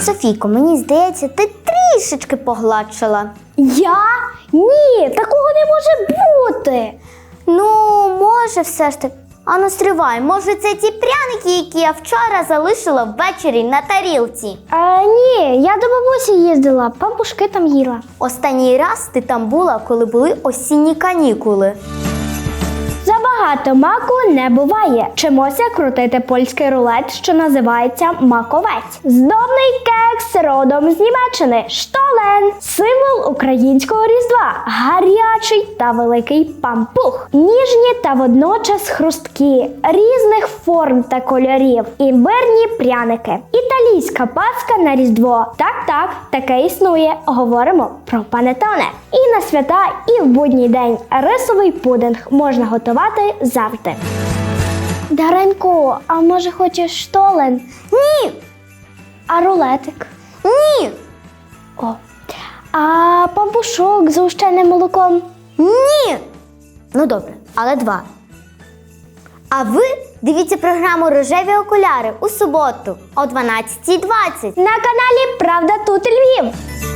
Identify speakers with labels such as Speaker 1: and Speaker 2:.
Speaker 1: Софійко, мені здається, ти трішечки погладшила.
Speaker 2: Я? Ні, такого не може бути.
Speaker 1: Ну, може все ж таки. А ну стривай, може це ті пряники, які я вчора залишила ввечері на тарілці?
Speaker 2: Ні, я до бабусі їздила, пампушки там їла.
Speaker 1: Останній раз ти там була, коли були осінні канікули.
Speaker 2: Забагато маку не буває. Вчимося крутити польський рулет, що називається маковець. Здобний кекс родом з Німеччини. Штолен – символ українського різдва. Гарячий та великий пампух. Ніжні та водночас хрусткі, різних форм та кольорів. Імбирні пряники. Італійська паска на різдво. Так, таке існує. Говоримо про панеттоне. І на свята, і в будній день. Рисовий пудинг можна готувати завжди. Даренько, а може хочеш штолен?
Speaker 1: Ні!
Speaker 2: А рулетик?
Speaker 1: Ні!
Speaker 2: О. А пампушок з згущеним молоком?
Speaker 1: Ні! Ну добре, але 2. А ви дивіться програму «Рожеві окуляри» у суботу о 12:20.
Speaker 2: На каналі «Правда тут Львів».